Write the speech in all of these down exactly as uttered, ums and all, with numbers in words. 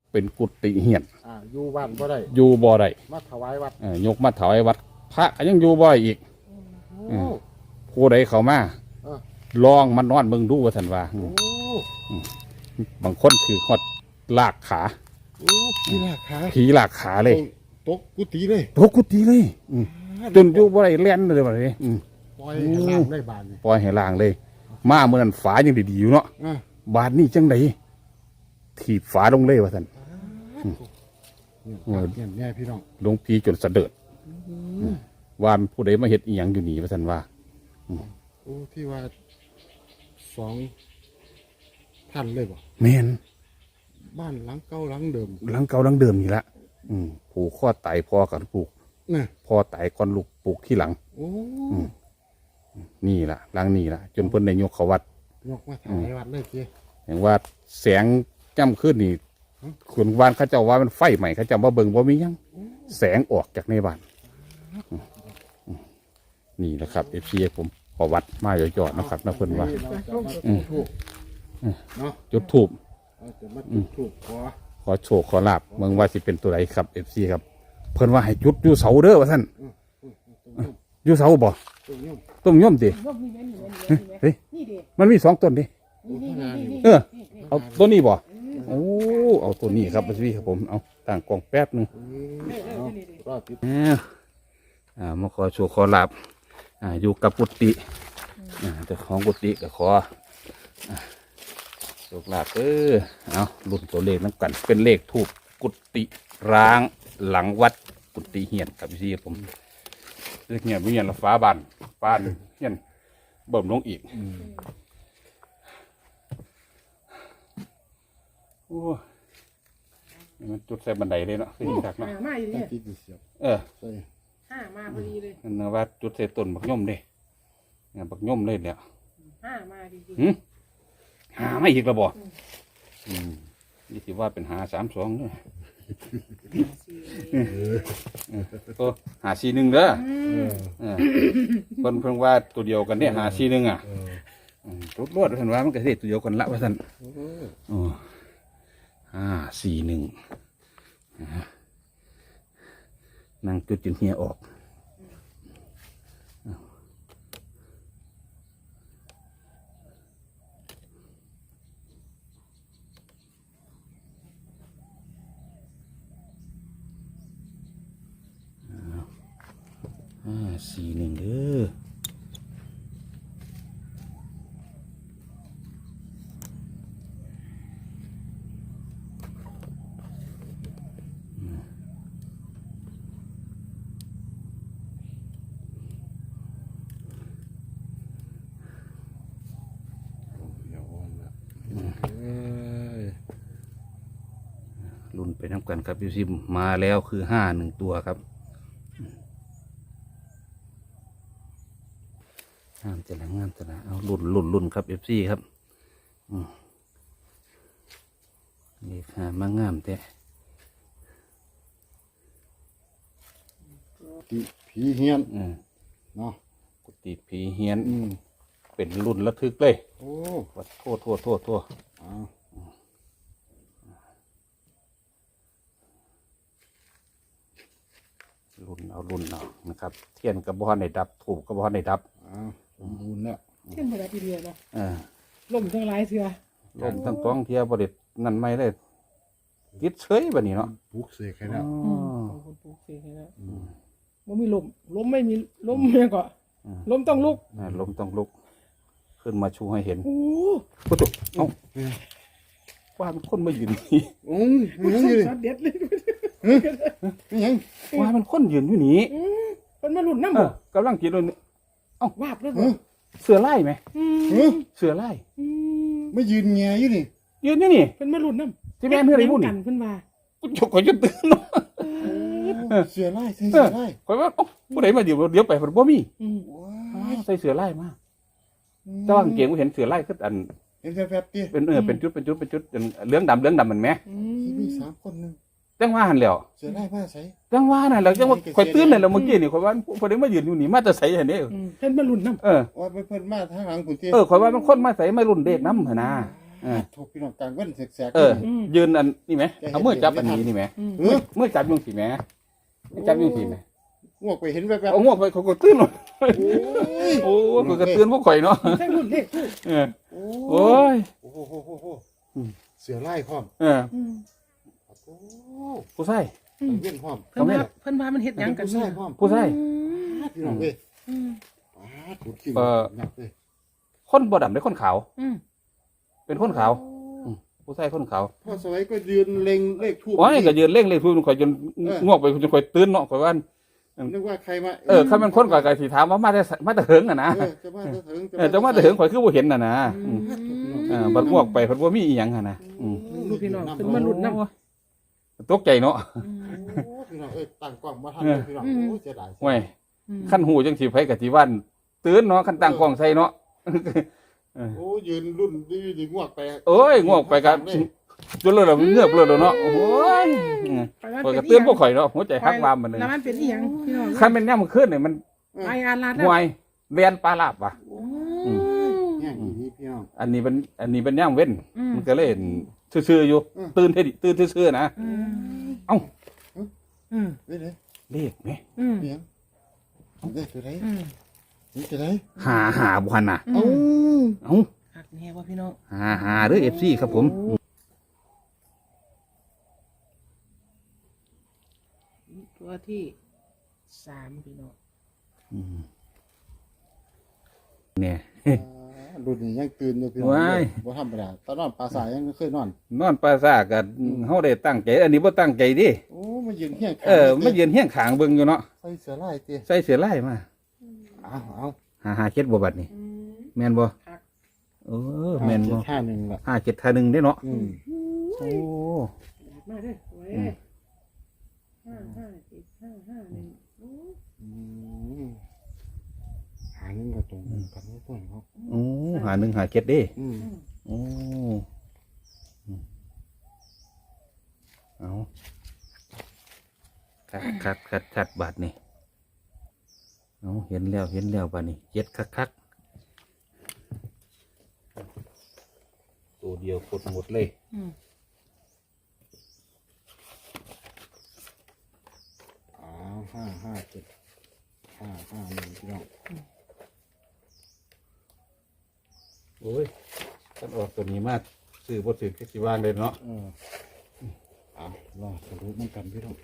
เป็นกุฏิเฮียนอ่าอยู่บ้านบ่ได้อยู่บ่ได้มาถวายวัดเออยกมาถวายวัดพระก็ยังอยู่บ่ได้อีกโอ้ผู้ใดเข้ามาลองมันนอนเบิ่งดูว่าท่านว่าบางคนคือฮอดลากขาผีลากขาผีลากขาเลยตกกุฏิเลยตกกุฏิเลยจนอยู่บ่ได้แล่นเลยบัดนี้ปล่อยให้ล่างได้บานปล่อยให้ล่างเลยมาเมื่อนั้นฝายังดีๆอยู่เนาะบาดนี้จังไดถีบฝาลงเลยว่าท่านเนี่ยแม่พี่น้องหลวงพี่จนสะเดิดว่าผู้ใดมาเฮ็ดอีหยังอยู่นี่ว่าท่านว่าโอ้ที่ว่าสองท่านเลยบ่แม่นบ้านหลังเก่าหลังเดิมหลังเก่าหลังเดิมนี่ละผูกข้อตายพ่อกับปลูกพ่อตายก่อนลูกปลูกที่หลังโอ้นี่ล่ะหลังนี่ล่ะจนเพิ่นได้ยกเขาวัดยกมาถวายวัดเลยเจ้อย่างว่าแสงจ้ำขึ้นนี่ขุนวานเขาเจ้าว่ามันไฟใหม่เขาเจ้าว่าเบิ่งว่ามียังแสงออกจากในบ้านนี่แหละครับเอฟซีผมขอวัดมาหยอดๆนะครับนะเพิ่นว่าจุดถูกขอขอโชคขอลาบเมืองว่าสิเป็นตัวไหนครับเอฟซีครับเพิ่นว่าให้จุดอยู่เสาเด้อว่าท่านอยู่เสาบ่ต้มย่อมดิเฮ้ยมันมีสองต้นดิเออเอาต้นนี้บ่โอ้เอาต้นนี้ครับพี่ครับผมเอาต่างกองแป๊บนึงอ่ามาขอโชว์ขอลาบอ่าอยู่กับกุฏิอ่าแต่ของกุฏิก็ขอโชคลาบเออเอารุ่นตัวเลขน้ำกันเป็นเลขทูปกุฏิร้างหลังวัดกุฏิเฮียนครับพี่ผมเลขเฮียนวิญญาณฟ้าบานฟ้าเฮียนเบิ่มลงอีกโอ้มันจุดใส่บันไดเลยเนาะขึ้นจากเนาะมาอยู่เนี่ยเออห้ามาพอดีเลยนั่นว่าจุดใส่ต้นบักย่อมเลยเนี่ยบักย่อมเลยเนี่ยห้ามาดีหืมหาไม่อีกระบอกอืมนี่ถือว่าเป็นหาสามสองเนี่ยก็หาสี่หนึ่งเด้อเพิ่นเพิ่งว่าตัวเดียวกันเนี่ยหาสี่หนึ่งอ่ะรถรวดท่านว่ามันก็เสียตัวเดียวกันละว่าท่านโอ้ห้าสี่หนึ่งนั่งจุดจนเฮียออกห้าสี่หนึ่งเด้อรุ่นไปน้ำกันครับพี่ซิมมาแล้วคือห้าหนึ่งตัวครับงามจะละงามจะละเอารุ่นรุ่นรุ่นครับเอฟซีครับนี่ค่ะมางามแต่ผีเฮียนเนาะกุฏิผีเฮียนเป็นรุ่นระทึกเลยโอ้วัดโทษโทษโทษโทษรุ่นเอารุ่นเอานะครับเทียนกระบอกในดับถูกกระบอกในดับสมบูรณ์แล้วเทียนบริเดียวเนาะลมทั้งหลายเสือลมทั้งต้องเทียบริษนั่นไม่ได้ยึดเฉยแบบนี้เนาะปลูกเสกให้แล้วคนปลูกเสกให้แล้วมันมีลมลมไม่มีลมเนี่ยก็ลมต้องลุกลมต้องลุกขึ้นมาชูให้เห็นโอ้โหเอ้าว่ามันคนมายืนนี่อืมยังยืนเด็ดเลยยังว่ามันคนยืนอยู่นี่มันมาหลุดน้ำบ่กำลังกินเลยเอ้าวาบเลยเสือไล่ไหมเสือไล่ไม่ยืนแง่อยู่นี่ยืนนี่นี่เป็นมาหลุดน้ำที่แม่เพื่อนอะไรพูดนี่เพิ่นว่ากูจกขอจนตื่นเนาะเสือไล่เสือไล่คอยว่าผู้ใดมาเดี๋ยวเดี๋ยวไปผมบ่มีใส่เสือไล่มาจ้างเก่งกูเห็นเสือไล่ก็อันเป็นแฟบๆเป็นเออเป็นจุดเป็นจุดเป็นจุดเลื้องดำเลื้องดำเหมือนไหมมีสามคนนึงจังว่าหันแล้วเสือไล่มาใส่จังว่าน่ะแล้วจังว่าคอยตื่นเลยแล้วเมื่อกี้นี่คอยว่าพอได้มายืนอยู่นี่มาจะใส่เห็นเด้เพิ่นมาลุ่นน้ำเออว่าเพิ่นมาทางหลังคุณเตี้ยเออคอยว่ามันคนมาใส่ไม่รุ่นเด็กน้ำเหรอนะเออถูกพี่น้องกลางเว้นแสกๆเออ ยืนอันนี่ไหมเอามือจับอันนี้นี่ไหมอืมเออมือจับยุงสีไหมมือจับยุงสีไหมงวกไปเห็นแบบแบบเอางวกไปเขาก็ตื่นหมดโอ้ยโอ้เขาก็ตื่นพวกข่อยเนาะใช่รุ่นเลขทูบเออโอ้โอ้ยโอ้โหโอ้โหโอ้โหอืมเสือไล่พร้อมเอออืมโอ้ผู้ชายอืมเว้นพร้อมเพิ่นว่าเพิ่นว่ามันเฮ็ดหยังกันผู้เนี่ชายยพร้อมผู้ชายพี่น้องเว้ยอืมป้าดถูกขี้เอ่อหนักเลยคนบ่ดำได้คนขาวอืมเป็นคนขาว ผู้ชายคนขาวพ่อสวัยก็ยืนเล็งเลขทูบโอ้ยก็ยืนเร่งเลยพูดข่อยจนงวกไปจนข่อยตื่นเนาะข่อยว่านึกว่าใครมาเออเขาเป็นคนก่อนก็สิถามว่ามาแต่มาแต่เหิงอ่ะนะเออจะมาจะถึงเออจะมาแต่เหิงข่อยคือบ่เห็นน่ะนะอืมเอเอออบัดงวกไปเพิ่นบ่มีอีหยังหั่นนะอืมลูกพี่น้องเพิ่นมาลุ้นนำตกใจเนาะโอ้พี่น้องเอ้ยตั้งกล้องมาทันเลยพี่น้องโอ้ยเสียดายห่วยคันหูจังสิไผก็สิวันตื่นเนาะคันตั้งกล้องใส่เนาะโอ้ยืนรุ่นดีดีงวกไปโอ้ยงวกไปก็จนเลยล่ะเงือบเลยเนาะโอ้ยข่อยก็ตื่นบ่ข่อยเนาะหัวใจฮักวามมันเลยแล้วมันเป็นอีหยังพี่น้องคันแม่นยามมื้อคืนนี่มันไปอาลาดห่วยเรียนปลาลาบว่ะอืมแง่อีนี้พี่น้องอันนี้เป็นอันนี้เป็นย่างเว้นอืมมันก็เล่นซื่อๆอยู่อืมตื่นเท่ดิตื่นซื่อๆนะอืมเอ้าอืมเฮ้ยเลยเลขไหมอืมเนียงเด็กตัวไหนอืมนี่ตัวไหนหาหาบุหันน่ะเอ้าเอ้าหักแน่ว่าพี่น้องหาหาเด้อเอฟซีครับผมตัวที่สามพี่น้องอืมเนี่ยรุ่นนี้ยังตื่นอยู่พี่น้องว้ายบ่ธรรมดาตอนนอนปลาสายยังเคยนอนนอนปลาซากันเฮาได้ตั้งใจ อันนี้บ่ตั้งใจดิโอ้มายืนเฮี้ยงเออมายืนเฮี้ยงขางเบิ่งอยู่เนาะใส่เสื้อลายเตี้ยใส่เสื้อลายมาเอาเอาหาหาเจ็ดบ่บัดนี่อืมแม่นบ่ครับเออแม่นบ่ท่าหนึ่งละห้าเจ็ดท่าหนึ่งได้เนาะอืมโอ้มาเด้อไว้อืมห้าห้าเจ็ดห้าห้าหนึ่งโอ้อืมหาหนึ่งก็ตรงกันไม่พ้นเขาโอ้หาหนึ่งหาเจ็ดเด้อืมโอ้อืมเอาคัดคัดคัดคัดบาทนี่เอาเห็นแล้วเห็นแล้วบาทนี่เจ็ดคักคักตัวเดียวกดหมดเลยอืมอ้าวห้าห้าเจ็ดห้าห้าหนึ่งพี่น้องโอ้ยท่านออกตัวนี้มากซื้อบทสื่อแค่สิว่างเลยเนาะเออเอารอสรุปมันกันพี่น้อง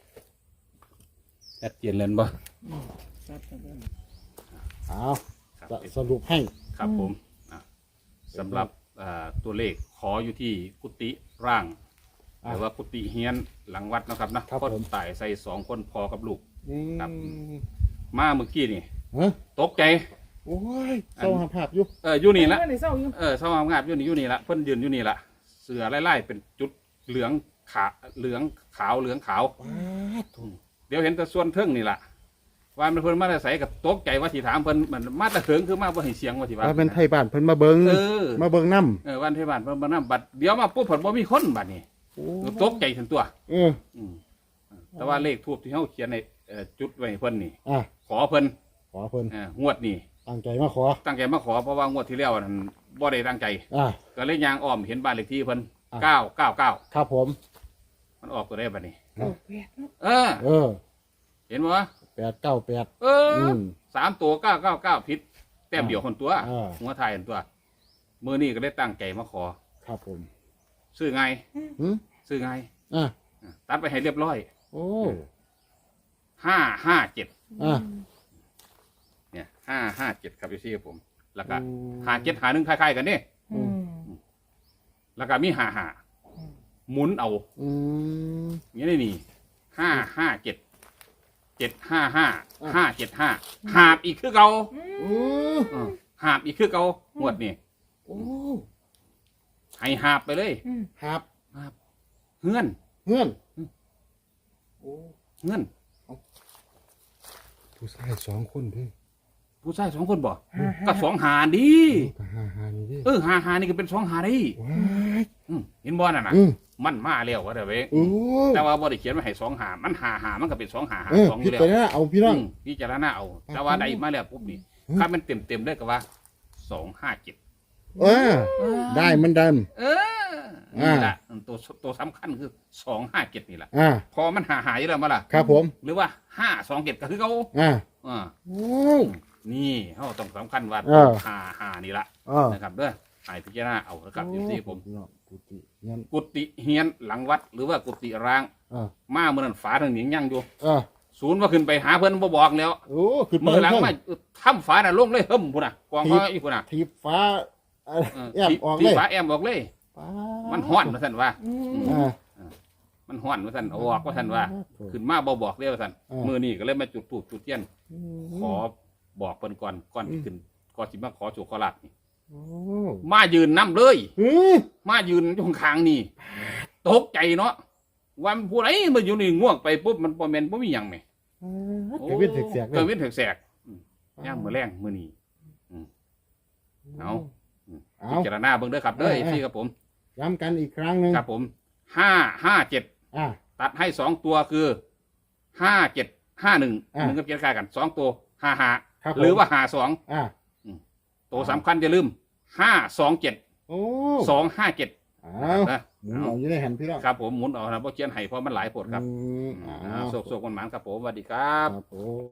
ชัดเจนเลยบ่ครับครับครับเอาจะสรุปให้ครับผมอ่ะสำหรับอ่าตัวเลขขออยู่ที่กุฏิร่างหรือว่ากุฏิเฮียนหลังวัดนะครับนะคนตายใส่สองคนพอกับลูก ครับ มาเมื่อกี้นี่ฮะตกใจโอ้ยเศร้าหาภาพอยู่เอออยู่นี่ละในเศร้าอยู่เออสว่างงาบอยู่นี่อยู่นี่ละเพิ่นยืนอยู่นี่ละเสือไล่ๆเป็นจุดเหลืองขาเหลืองขาวเหลืองขาวว้าดเดี๋ยวเห็นแต่ส่วนเทิงนี่ละว่ามันเพิ่นมาแต่ใส่กับตกใจว่าสิถามเพิ่นมันมาแต่เถิงคือมาบ่ให้เสียงว่าสิว่าว่าเป็นไทยบ้านเพิ่นมาเบิงเออมาเบิงน้เออวันเทศบาลเพิ่นมานำบัดเดี๋ยวมาปุ๊บเพิ่นบ่มีคนบัดนี้ำโอ้ตกใจถึงตัวเอออืมแต่ว่าเลขทูบที่เฮาเขียนในเอ่อจุดไว้ให้เพิ่นนี่อ่ะขอเพิ่นขอเพิ่นเอ่องวดนี้ตั้งใจมาขอตั้งใจมาขอเพราะว่างวดที่แล้วนั่นบ่ได้ตั้งใจอ่ะก็เลยยางอ้อมเห็นบ้านเลขที่เพิ่นอ่ะเก้าเก้าเก้าครับผมมันออกตัวได้บัดนี้โอ้แปดเนาะเออเออเห็นบ่วะแปดเก้าแปดเอออมสามตัวเก้าเก้าเก้าผิดแต้มเดียวคนตัวอ่าหัวไทายคนตัวมื้อนี้ก็ได้ตั้งใจมาขอครับผมซื้อไงหืมซื้อไงอ่ะอ่ะตัดไปให้เรียบร้อยโอ้ห้าห้าเจ็ดอ่ะเนี่ยห้าห้าเจ็ดครับพี่ซี่ครับผม แล้วก็อืมหาเจ็ดหาหนึ่งคล้ายๆกันนี่อืมแล้วก็มีหาหาหมุนเอาอืมอย่างนี้นี่ห้าห้าเจ็ดเจ็ดห้าห้าอ่ะห้าเจ็ดห้าหาบอีกคือเก่าโอ้อืมหาบอีกคือเก่างวดนี่โอ้ให้หาบไปเลยอืมครับหาบเฮือนเงื่อนโอ้เฮือนผู้ชายสองคนเด้วยผู้ชายสองคนบ่ห้าห้าก็สองหาดีก็หาหานี่เดิเออหาหานี่ก็เป็นสองหาดีว้ายอืมเห็นบ่น่ะนะอืมมันมาแล้วว่าเด้อเว้ยโอ้แต่ว่าบ่ได้เขียนไว้ให้สองหามันหาหามันก็เป็นสองหาหาเออสองอพิยู่แล้วจารณาเอาพี่น้องอืมพิจารณาเอาแต่ว่าได้มาแล้วปุ๊บนี่อืมถ้ามันเต็มเต็มๆได้ก็ว่าสองห้าเจ็ดอเออได้เหมันเดิมเออนี่แหละตัวตัวสำคัญคือสองห้าเจ็ดนี่แหละอ่าพอมันหาหายแล้วมาล่ะครับผมหรือว่าห้าสองเจ็ดก็คือเขาอ่าอ่าโอ้นี่เขาต้องสำคัญว่าเออหาหานี่ละอ่านะครับเด้อให้พิจารณาเอาละครับอยู่ที่ผมกุฏิงั้นกุฏิเฮียนหลังวัด หรือว่ากุฏิร้างอ่ามาเมื่อนั้นฝาทางหนียังอยู่อ่าศูนย์ว่าขึ้นไปหาเพิ่นบ่บอกแล้วโอ้คือเมื่อหลังมาถ้ำฝาน่ะลงเลยเฮิ่มพุ่นน่ะกองเขาอีกพุ่นน่ะทีบฟ้าเอ่อเออแอบที่ออกที่เลยฝาแอมบอกเลยฟ้ามันห้อนว่าซั่นว่าอืมอ่ามันห้อนว่าซั่นเอาออกว่าซั่นว่า ขึ้นมาบ่บอกเด้อว่าซั่นอ่ามื้อนี้ก็เลยมาจุดธูปจุดเทียนอืมขอบอกเพิ่นก่อนก่อนที่ขึ้นก่อนสิมาขอโชคขอลาภนี่โอ้มายืนนํเลยเฮ้ยมายืนอยู่ข้างๆนี่ตกใจเนาะว่ามันผู้ใดมาอยู่นี่ง่วงไปปุ๊บมันบ่แม่นบ่มีหยังแหมเกิดเว้นแสกๆเลเกิดยเว้นแสกๆอืมย่างมื้อแรงมื้อนี้ เอาเอาพิจารณาเบิ่งเด้อครับเด้อเออเออพี่ครับผมย้ำกันอีกครั้งหนึ่งครับผมห้าห้าเจ็ดอ่าตัดให้สองตัวคือห้าเจ็ดห้าหนึ่งอ่าหนึ่งกับเจ็ดคล้ายกันสองตัวห้าห้าครับผมหรือว่าห้าสองอ่าตัวสำคัญอย่าลืมห้าสองเจ็ดโอ้สองห้าเจ็ดเอานะหมุนเอาอยู่ในแผ่นพี่น้องครับผมหมุนเอานะเพราะเขียนให้เพราะมันหลายผลครับอืมอ่าเอาโศกโศกมันหมานครับผมสวัสดีครับครับผม